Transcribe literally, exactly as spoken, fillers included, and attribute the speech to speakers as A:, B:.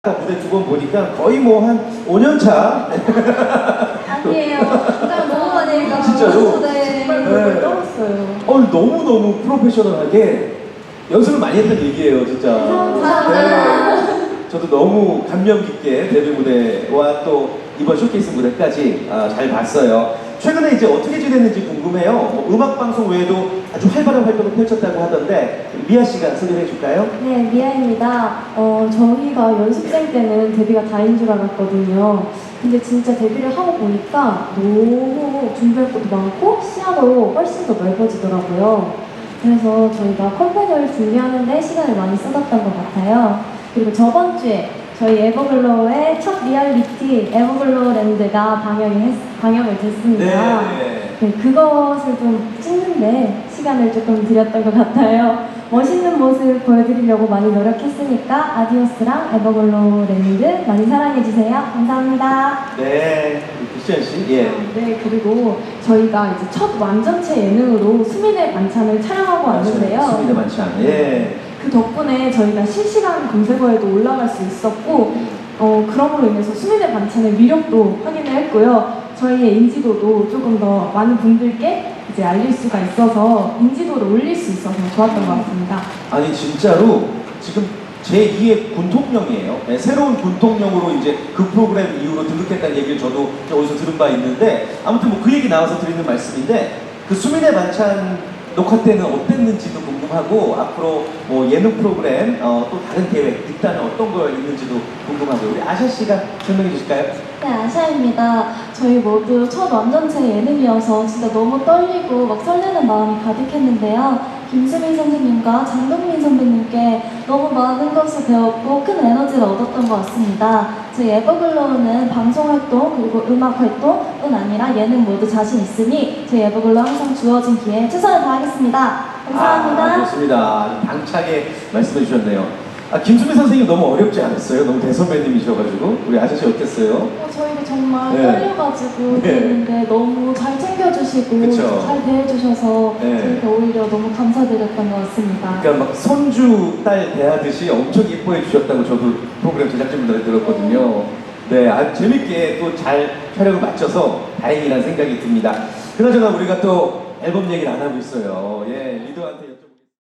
A: 무대 두 번 보니까 거의 뭐 한 오 년 차.
B: 아니에요. 진짜 너무 많이 해가지고.
A: 진짜로?
B: 네.
A: 네.
B: 정말 떨었어요.
A: 어, 너무너무 프로페셔널하게 연습을 많이 했던 얘기예요, 진짜.
B: 감사합니다.
A: 네. 저도 너무 감명 깊게 데뷔 무대와 또 이번 쇼케이스 무대까지 아, 잘 봤어요. 최근에 이제 어떻게 지냈는지 궁금해요. 뭐 음악 방송 외에도 아주 활발한 활동을 펼쳤다고 하던데 미아 씨가 소개해 줄까요?
B: 네, 미아입니다. 어, 저희가 연습생 때는 데뷔가 다인 줄 알았거든요. 근데 진짜 데뷔를 하고 보니까 너무 준비할 것도 많고 시야도 훨씬 더 넓어지더라고요. 그래서 저희가 컴퍼니를 준비하는데 시간을 많이 쏟았던 것 같아요. 그리고 저번 주에 저희 에버글로우의 첫 리얼리티 에버글로우랜드가 방영이 했, 방영을 됐습니다.
A: 네.
B: 네, 그것을 좀 찍는데 시간을 조금 들였던 것 같아요. 멋있는 모습 보여드리려고 많이 노력했으니까 아디오스랑 에버글로우랜드 많이 사랑해주세요. 감사합니다.
A: 네, 크리스찬 씨. 예.
B: 네, 그리고 저희가 이제 첫 완전체 예능으로 수민의 반찬을 촬영하고 왔는데요.
A: 수민의 반찬. 예.
B: 그 덕분에 저희가 실시간 검색어에도 올라갈 수 있었고 어, 그럼으로 인해서 수민의 반찬의 위력도 확인을 했고요. 저희의 인지도도 조금 더 많은 분들께 이제 알릴 수가 있어서 인지도를 올릴 수 있어서 좋았던 것 같습니다.
A: 아니 진짜로 지금 제이의 군통령이에요. 네, 새로운 군통령으로 이제 그 프로그램 이후로 등극했다는 얘기를 저도 어디서 들은 바 있는데 아무튼 뭐 그 얘기 나와서 드리는 말씀인데 그 수민의 반찬 녹화 때는 어땠는지도 궁금하고 앞으로 뭐 예능 프로그램 어, 또 다른 계획 있다면 어떤 거 있는지도 궁금하고요. 우리 아샤 씨가 설명해 주실까요?
B: 네, 아샤입니다. 저희 모두 첫 완전체 예능이어서 진짜 너무 떨리고 막 설레는 마음이 가득했는데요. 김수민 선생님과 장동민 선배님께 너무 많은 것을 배웠고 큰 에너지를 얻었던 것 같습니다. 저희 에버글로우는 방송 활동 그리고 음악 활동뿐 아니라 예능 모두 자신 있으니 저희 에버글로우 항상 주어진 기회에 최선을 다하겠습니다. 감사합니다.
A: 아, 좋습니다. 당차게 말씀해 주셨네요. 아, 김수민 선생님 너무 어렵지 않았어요? 너무 대선배님이셔가지고 우리 아저씨 어땠어요?
B: 어, 저희가 정말
A: 네.
B: 떨려가지고
A: 네.
B: 그랬는데 너무 잘 챙겨주시고
A: 그쵸.
B: 잘 대해주셔서
A: 네.
B: 저희가 오히려 너무 감사드렸던 것 같습니다.
A: 그러니까 막 손주 딸 대하듯이 엄청 예뻐해 주셨다고 저도 프로그램 제작진분들한테 들었거든요. 네, 아주 재밌게 또 잘 촬영을 마쳐서 다행이라는 생각이 듭니다. 그나저나 우리가 또 앨범 얘기를 안 하고 있어요. 예, 리더한테